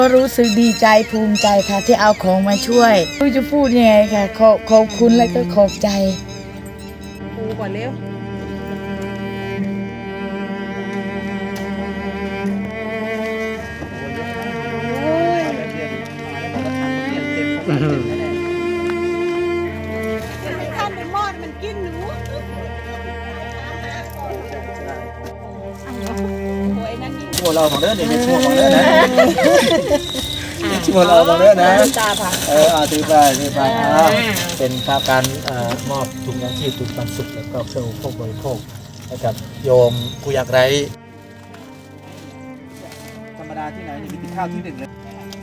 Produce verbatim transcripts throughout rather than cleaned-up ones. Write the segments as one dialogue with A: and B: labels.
A: ก็รู้สึกดีใจภูมิใจค่ะที่เอาของมาช่วยไม่รู้จะพูดยังไงค่ะขอบขอบคุณและก็ขอบใจปูก่อนเร็ว
B: ท่านไปมอดมันกินหนู
C: ชั่วเราของเด้อเนี่ยเป็นชั่วของเด้อนะชั่วเราของเด้อนะเออเอาถือไปถือไปอ่าเป็นภาพการมอบถุงยางชีพถุงปันสุขและก็เครื่องอุปโภคบริโภคให้กับโยมผู้ยากไร้ธรรมดาที่ไหนนี่มีข้าวที่หนึ่งเลย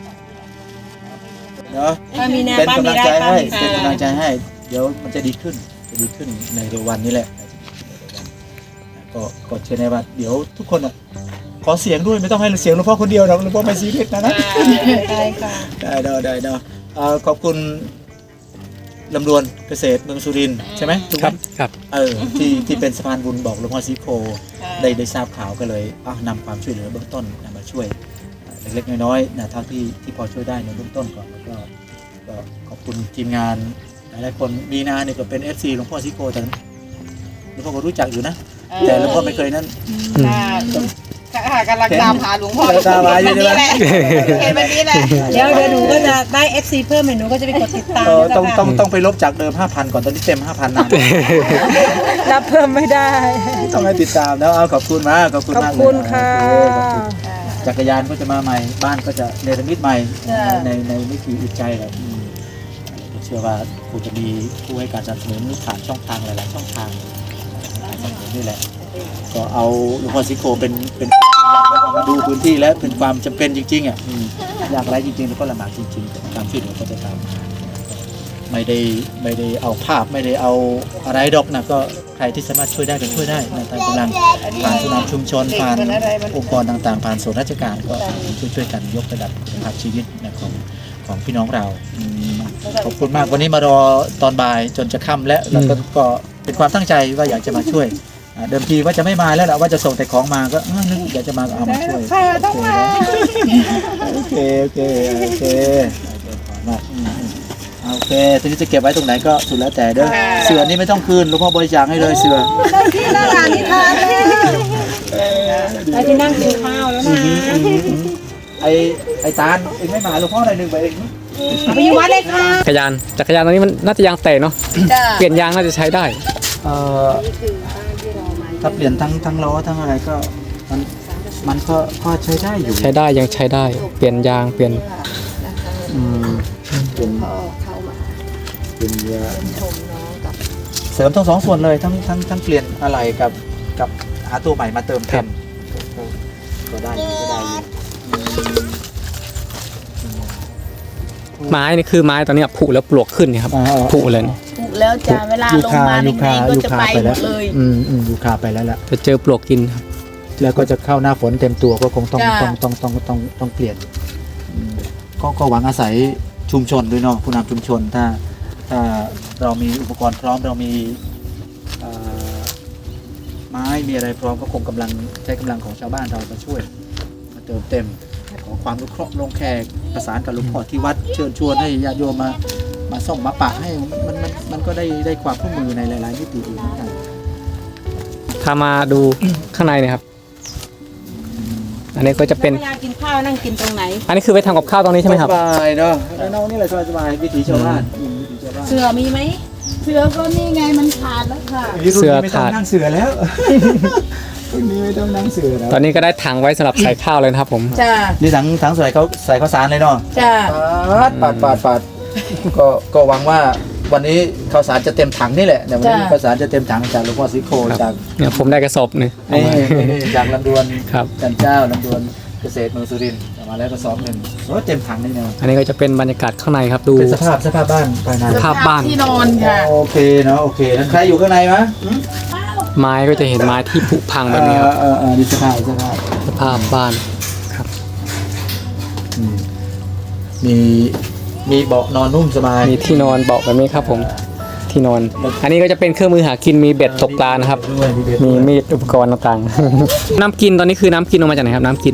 C: เนาะเป็นกำลังใจให้เป็นกำลังใจให้เดี๋ยวมันจะดีขึ้นจะดีขึ้นในเร็ววันนี้แหละก็ก็เชื่อในว่าเดี๋ยวทุกคนอ่ะขอเสียงด้วยไม่ต้องให้เสียงหลวงพ่อคนเดียวหรอกหลวงพ่อไม่ซีเรียสนะนะได้ค่ะได้ได้ได้ได้ขอบคุณลำดวนเกษตรเมืองสุรินทร์ใช่ไหมครับครับเออที่ที่เป็นสะพานบุญบอกหลวงพ่อซีโคได้ได้ทราบข่าวก็เลยเอานำความช่วยเหลือเบื้องต้นมาช่วยเล็กๆน้อยๆนะเท่าที่ที่พอช่วยได้ในเบื้องต้นก่อนแล้วก็ก็ขอบคุณทีมงานหลายๆคนมีนาเนี่ยก็เป็น เอฟ ซี หลวงพ่อซีโคแต่หลวงพ่อก็รู้จักอยู่นะแต่หลวงพ่อไม่เคยนั่น
B: ค่ะกำลังตามหาหลวงพ่อ
C: ตามหาอยู่ใช่ไหม
B: เห็นแบบนี้แหละเดี๋ยวเดี๋ยวหนูก็จะได้ เอฟ ซี เพิ่มหนูก็จะไปกดติดตาม
C: ต้องต้องต้องไปลบจากเดิม ห้าพัน ก่อนตอนนี้เต็ม ห้าพัน นะ
B: รับเพิ่มไม่ได้
C: ต้องให้ติดตามแล้วเอาขอบคุณมากขอบคุณมาก
B: ขอบคุณค่ะ
C: จักรยานก็จะมาใหม่บ้านก็จะเนรมิตใหม่ในในวิถีจิตใจแหละเชื่อว่าคงจะมีผู้ให้การสนับสนุนผ่านช่องทางหลายๆช่องทางนี่แหละก็เอาหลวงพ่อซิโกเป็นเป็นมาดูพื้นที่และเป็นความจำเป็นจริงๆอ่ะอยากไรจริงๆแล้วก็ลำบากจริงๆตามที่หลวงพ่อจะทำไม่ได้ไม่ได้เอาภาพไม่ได้เอาอะไรดอกนะก็ใครที่สามารถช่วยได้ก็ช่วยได้นะตามกำลังผ่านผู้นำชุมชนผ่านองค์กรต่างๆผ่านส่วนราชการก็ช่วยๆกันยกระดับคุณภาพชีวิตนะของของพี่น้องเราขอบคุณมากวันนี้มารอตอนบ่ายจนจะค่ำแล้วแล้วก็เป็นความตั้งใจว่าอยากจะมาช่วยเดิมทีว่าจะไม่มาแล้วแหละว่าจะส่งแต่ของมาก็นึกอยากจะมาเอามาช่วยต้องมาโอเคโอเคโอเคมากโอเคทีนี้จะเก็บไว้ตรงไหนก็สุดแล้วแต่เด้อเสือนี่ไม่ต้องคืนหลวงพ่อบริจาคให้เลยเสือ
B: ได้ที่นั่งอ่านนิทานได้ที่นั่งกินข้าวแล้วนะ
C: ไอไอตาลเองไม่มาหลวงพ่อหน่อยหนึ่งไปเอง
B: ไปอยู่วัดเลยค่ะ
D: จักรยานจักรยานตอนนี้มันน่าจะยางแตกเนาะเปลี่ยนยางน่าจะใช้ได้
C: เอ่อถ้าเปลี่ยนทั้งทั้งล้อทั้งอะไรก็มันมันก็ก็ใช้ได้อยู่
D: ใช้ได้ยังใช้ได้เปลี่ยนยางเปลี่ยน
C: อืมเป็นเป็นเสริมทั้งสองส่วนเลยทั้งทั้งทั้งเปลี่ยนอะไรกับกับหาตัวใหม่มาเติมเต็มก็ได้ก็ได้
D: ไม้นี่คือไม้ตอนนี้ผุแล้วปลวกขึ้นนี่ครับผุเลย
A: ผุแล้วจ้าเวลาลงมาในนี้ก็จะไปหมดเลย
C: อืมอืมยูคาไปแล้วล่ะ
D: จะเจอปลวกกินครับ
C: แล้วก็จะเข้าหน้าฝนเต็มตัวก็คงต้องต้องต้องต้องต้องต้องเปลี่ยนก็ก็หวังอาศัยชุมชนด้วยเนาะผู้นำชุมชนถ้าถ้าเรามีอุปกรณ์พร้อมเรามีไม้มีอะไรพร้อมก็คงกำลังใช้กำลังของชาวบ้านเรามาช่วยมาเติมเต็มขอความรู้เคราะห์ลงแขกประสานกับหลวงพ่อที่วัดเชิญชวนให้ญาติโยมมามาส่งมาปะให้มันมันมันก็ได้ได้ความร่วมมือในหลายๆมิติอีกเหมือนกัน
D: ถ้ามาดูข้างในเนี่ยครับอันนี้ก็จะเป็น
B: กินข้าวนั่งกินตรงไหน
D: อันนี้คือไปทำกับข้าวตรงนี้ใช่ไหมครับ
C: สบายเนาะแล้วน้องนี่แหละสบายวิถีชาวบ้าน
B: เสือมีไหม
A: เสือก็นี่ไงมันขาดแล้วค่ะ
D: เสือขาด
C: นั่งเสือแล้วรุ่นนี้ไม่ต้องนั่งเสือแล้ว
D: ตอนนี้ก็ได้ถังไว้สำหรับใส่ข้าวเลยนะครับผม
A: จ้า
C: นี่ถังถังใส่เขาใส่ข้าวสารเลยเนาะ
A: จ้า
C: ปาดปาดปาดก็ก็หวังว่าวันนี้ข้าวสารจะเต็มถังนี่แหละเดี๋ยววันนี้ข้าวสารจะเต็มถังจากหลวงพ่อซิโคจาก
D: เนี่ยผมได้กระสอบหนึ่ง
C: จากลำดวน
D: ครับ
C: จันเจ้าลำดวนเกษตรเมืองสุรินทร์มาแล้วกระสอบหนึ่งโอ้เต็มถังนี่เนาะ
D: อันนี้ก็จะเป็นบรรยากาศข้างในครับดู
C: เป็นสภาพสภาพบ้านภายใน
D: สภาพบ้าน
A: ที่นอนค่ะ
C: โอเคเนาะโอเคแล้วใครอยู่ข้างในมะ
D: ไม้ก็จะเห็นไม้ที่ผุพังแบบนี้ครับ
C: เออเออดีสภาพสภาพ
D: สภาพบ้านครับ
C: มีมีเบาะนอนนุ่มสบาย
D: มีที่นอนเบาะแบบนี้ครับผมที่นอนอันนี้ก็จะเป็นเครื่องมือหากินมีเบ็ดตกปลานะครับมีมีดอุปกรณ์ต่างๆน้ำกินตอนนี้คือน้ำกินออกมาจากไหนครับน้ำกิน
A: น้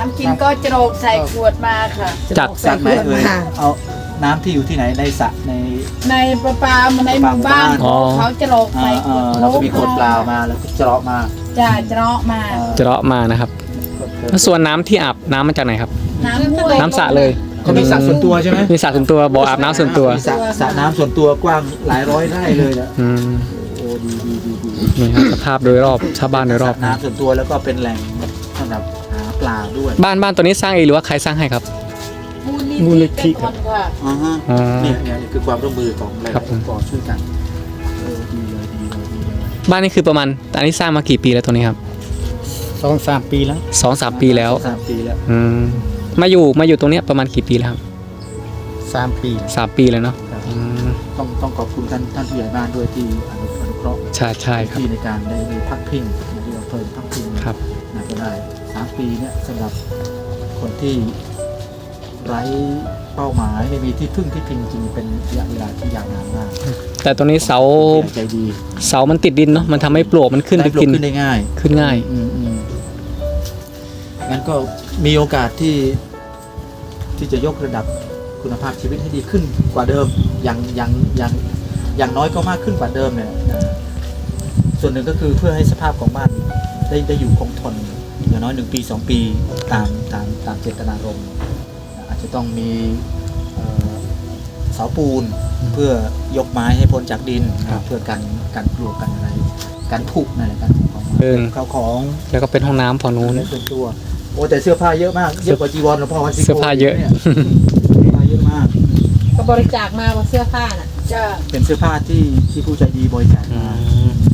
A: น้ำกินก็จะโรกใส่ขวดมาค่ะ
D: จาก
C: จากไหนเอ่ยเอาน้ำที่อยู่ที่ไหนในสระใน
A: ในประปาในหมู่บ้าน
D: อ๋อ
A: เขาจะโรก
C: เอ่
A: ใส่
C: อ
A: ข
C: เอ่
A: วด
C: อเราก็มีขวดเปล่ามาแล้วก็เจาะมา
A: จะเจาะมา
C: เอ่อ
D: จะเลาะมานะครับแล้วส่วนน้ำที่อาบน้ำมาจากไหนครับ
A: น้ำห้วย
D: น้ำสระเลย
C: เขามีสระส่วนตัวใช่ไหม
D: มีสระส่วนตัวบ่ออาบน้ำส่วนตัว
C: มีสระสระน้ำส่วนตัวกว้างหลายร้อยไร่เลยนะ
D: อืม
C: โอ้ดีดีดีดี
D: นี่ครับสภาพโดยรอบชาวบ้านโดยรอบ
C: สะน้ำส่วนตัวแล้วก็เป็นแหล่งสำหรับหาปลาด้วย
D: บ้านบ้านตัวนี้สร้างเองหรือว่าใครสร้างให้ครับ
A: มูลนิธิเป็นคนค่ะ
C: อ๋อฮะ
D: อ๋อ
C: เนี่ยเนี่ยคือความร่วมมือของหลาย
D: ครับ
C: ๆองค์กรช่วยกันเออดีเลยดีเลยดีเลย
D: บ้านนี้คือประมาณอันนี้สร้างมากี่ปีแล้วตัวนี้ครับ
B: สองสามปีแล้ว
D: สองสามปีแล้ว
C: สามปีแล้ว
D: อืมมาอยู่มาอยู่ตรงเนี้ยประมาณกี่ปีแล้วครับ
B: สามปี
D: สามปีแล้วเนาะอืม
C: ต้องต้องขอบคุณท่านท่านผู้ใหญ่บ้านด้วยที่อนุอนุเคราะห์
D: ใช่ใช่ครับ
C: ที่ในการได้ได้พักพิงนะที่เราเพิ่มพักพิง
D: ครับ
C: นะก็ได้สามปีเนี่ยสำหรับคนที่ไร้เป้าหมายไม่มีที่พึ่งที่พิงจริงเป็นระยะเวลาที่ยาวนานมาก
D: แต่ตัวนี้เสา
C: ใจดี
D: เสามันติดดินเนาะมันทำให้ปลวกมันขึ้นไป
C: ได้ปลู
D: กิน
C: ขึ้นได้ง่าย
D: ขึ้นง่าย
C: อืมอืมงั้นก็มีโอกาสที่ที่จะยกระดับคุณภาพชีวิตให้ดีขึ้นกว่าเดิมอย่างอย่างอย่างอย่างน้อยก็มากขึ้นกว่าเดิมเนี่ยนะส่วนหนึ่งก็คือเพื่อให้สภาพของบ้านได้ได้อยู่คงทนอย่างน้อยหนึ่งปีสองปีตามตามตามเจตนารมณ์อาจจะต้องมีเอ่อเสาปูนเพื่อยกไม้ให้พ้นจากดิน
D: ครับ
C: เพื่อกันกันปลวกกันอะไรการผุนั่นแหละการผุของไม้
D: เดิน
C: ข้าวของ
D: แล้วก็เป็นห้องน้ำฝั่งนู้น
C: ในส่วนตัวโอ้แต่เสื้อผ้าเยอะมากเยอะกว่าจีวรหลวงพ่อวัดสิโก
D: เสื้อผ้าเยอะ
C: นี่เสื้อผ้าเยอะมาก
B: ก็บริจาคมาว่าเสื้อผ้าน่ะ
A: จะ
C: เป็นเสื้อผ้าที่ที่ผู้ใจดีบริจาค
D: อื
C: มาม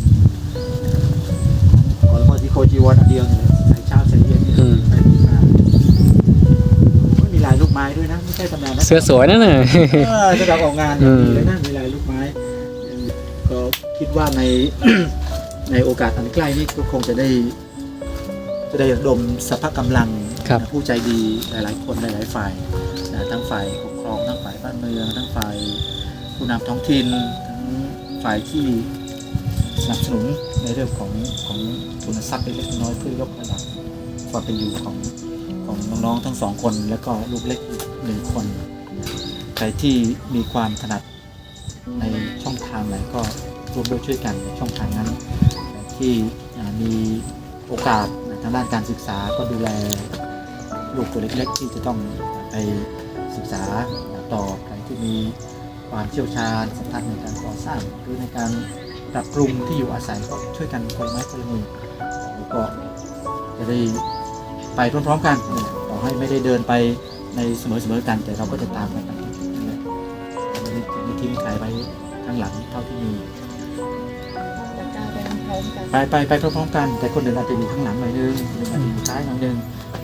C: ก่อนหลวงพ่อที่โคจีวรอันเดียวเนี่ยใส่เช้าใส่เย็นนี่
D: อืม
C: ใส่ดีมากโอ้ยมีลายลูกไม้ด้วยนะไม่ใช่ธรรมดานะ
D: เสื้อสวยนั่นน่ะ
C: เออสำหรับออกงาน
D: อืม
C: ดีเลยนะมีลายลูกไม้ก็คิดว่าใน ในโอกาสอันใกล้นี้ก็คงจะได้ จะได้ระดมสรรพกำลัง
D: ครับ
C: ผู้ใจดีหลาย ๆ คนหลาย ๆ ฝ่ายนะทั้งฝ่ายปกครองทั้งฝ่ายบ้านเมืองทั้งฝ่ายผู้นำท้องถิ่นทั้งฝ่ายที่สนับสนุนในเรื่องของของทุนทรัพย์เล็กๆน้อยๆเพื่อยกระดับความเป็นอยู่ของของน้อง ๆ ทั้งสองคน แล้วก็ลูกเล็กอีกหนึ่งคนใครที่มีความถนัดในช่องทางไหนก็ร่วมด้วยช่วยกันในช่องทางนั้นที่อ่ามีโอกาสทางด้านการศึกษาก็ดูแลลูกตัวเล็กๆ ที่จะต้องไปศึกษาต่อใครที่มีความเชี่ยวชาญสัมพันธ์ในการก่อสร้างหรือในการปรับปรุงที่อยู่อาศัยก็ช่วยกันคนละไม้คนละมือแล้วก็จะได้ไปพร้อมๆกันต่อให้ไม่ได้เดินไปในเสมอๆกัน แต่เราก็จะตามกันไปนั่นแหละไม่ได้ไม่ทิ้งใครไว้ข้างหลังเท่าที่มี
A: จะกลายเป็นพร้อมกัน
C: ไปไปไปพร้อมๆกัน แต่คนหนึ่งอาจจะอยู่ข้างหลังหน่อยนึงหรืออาจจะอยู่ท้ายหน่อยนึง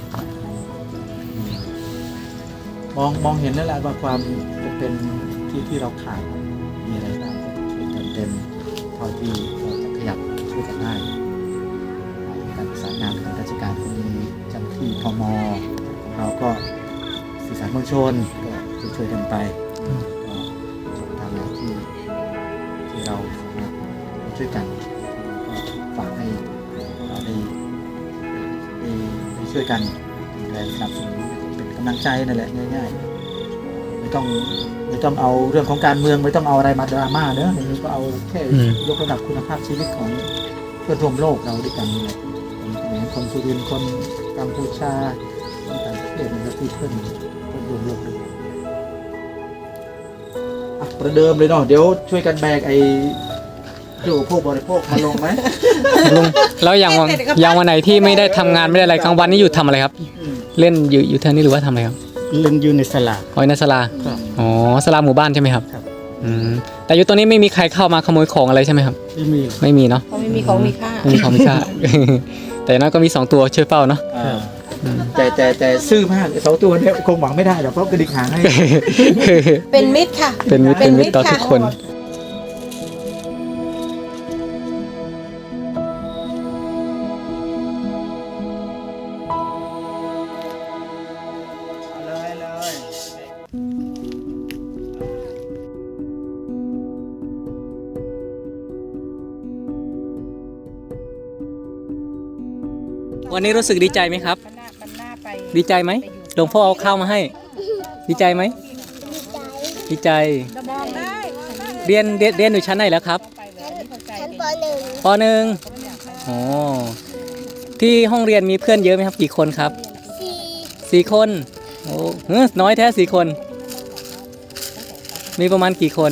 C: มองมองเห็นแล้วแหละว่าความเป็นที่ที่เราขาดมีอะไรบ้างก็ช่วยกันเต็มเท่าที่เราจะขยับช่วยกันได้การประสานงานของราชการก็มีเจ้าหน้าที่พมเราก็สื่อสารมวลชนก็ช่วยๆกันไปก็ช่องทางไหนที่ที่เราสามารถช่วยกัน ฝากให้เราได้ได้ได้ช่วยกันดูแลสนับสนุนเป็นกำลังใจนั่นแหละง่ายๆไม่ต้องไม่ต้องเอาเรื่องของการเมืองไม่ต้องเอาอะไรมาดราม่าเนอะนี่ก็เอาแค่
D: อืม
C: ยกระดับคุณภาพชีวิตของเพื่อนร่วมโลกเราด้วยกันนี่แหละคนเขมรคนสุรินทร์คนกัมพูชาคนต่างประเทศนะครับที่เพื่อนเพื่อนร่วมโลกด้วยอ่ะประเดิมเลยเนาะเดี๋ยวช่วยกันแบกไอ้เครื่องอุปโภคบริโภคมาลงไหม
D: ลุงแล้วอย่างวันอย่างวันไหนที่ไม่ได้ทำงานไม่ได้อะไรกลางวันนี่อยู่ทำอะไรครับ เล่นอยู่อยู่เท่านี้หรือว่าทำอะไรครับ
B: เล่นอยู่ในสลา
D: อ๋อในศาลา
B: ครับ
D: อ๋อศาลาหมู่บ้านใช่ไหมครับ
B: ครับ
D: อืมแต่อยู่ตรงนี้ไม่มีใครเข้ามาขโมยของอะไรใช่ไหมครับ
B: ไม่มี
D: ไม่มีเนาะ
B: เขาไม่มีของมีค่า
D: ไม่มีของมีค่า แต่อย่างน้อยก็มีสองตัวช่วยเฝ้าเนาะ
C: อ่าแต่แต่แต่ซื่อมากไอ้สองตัวเนี่ยคงหวังไม่ได้หรอกเพราะกระดิกหางให้
B: เป็นมิตรค่ะ
D: เป็นมิตรเป็นมิตรต่อทุกคน
C: เลยเลย
D: วันนี้รู้สึกดีใจไหมครับ
A: มันน่ามันน่าไป
D: ดีใจไหมหลวงพ่อเอาข้าวมาให้ ดีใจไหมดีใจ เรียนเรียนเรียนอยู่ชั้นไหนแล้วครับ
E: ชั้นปหนึ่ง
D: ปหนึ่งอ๋อที่ห้องเรียนมีเพื่อนเยอะไหมครับกี่คนครับ
E: สี่
D: สี่คนโอ้เฮ้ยน้อยแท้สี่คน มีประมาณกี่คน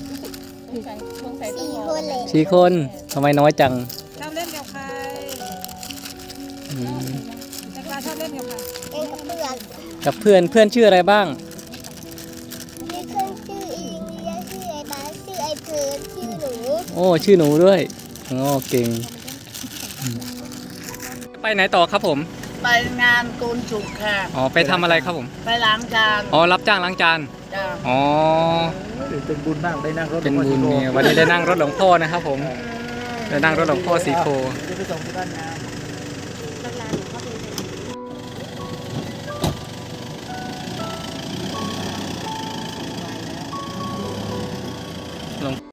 E: สี่คนเลย
D: สี่คนทำไมน้อยจัง
B: ชอบเล่นกับใคร
D: อืม
B: จักรยานชอบเล่นกับใคร
E: เล่นกับเพื่อน
D: กับเพื่อนเพื่อนชื่ออะไรบ้าง
E: มีเพื่อนชื่ออิงเลียชื่อไอ้บาสชื่อไอ้เพิร์นชื่อหนู
D: โอ้ชื่อหนูด้วยโอ้เก่งอืมไปไหนต่อครับผม
A: ไปงานโกนจุกค่ะ
D: อ๋อไปทำอะไรครับผม
A: ไปล้างจาน
D: อ๋อรับจ้างล้างจาน
A: จ้า
D: อ๋อ
C: เป็นบุญมากได้นั่งรถ
D: เป็นบุญเนี่ยวันนี้ได้นั่งรถหลวงพ่อนะครับผมได้นั่งรถหลวงพ่อสีโพ
C: จะไปส่งที่บ้านงาน
D: หลวง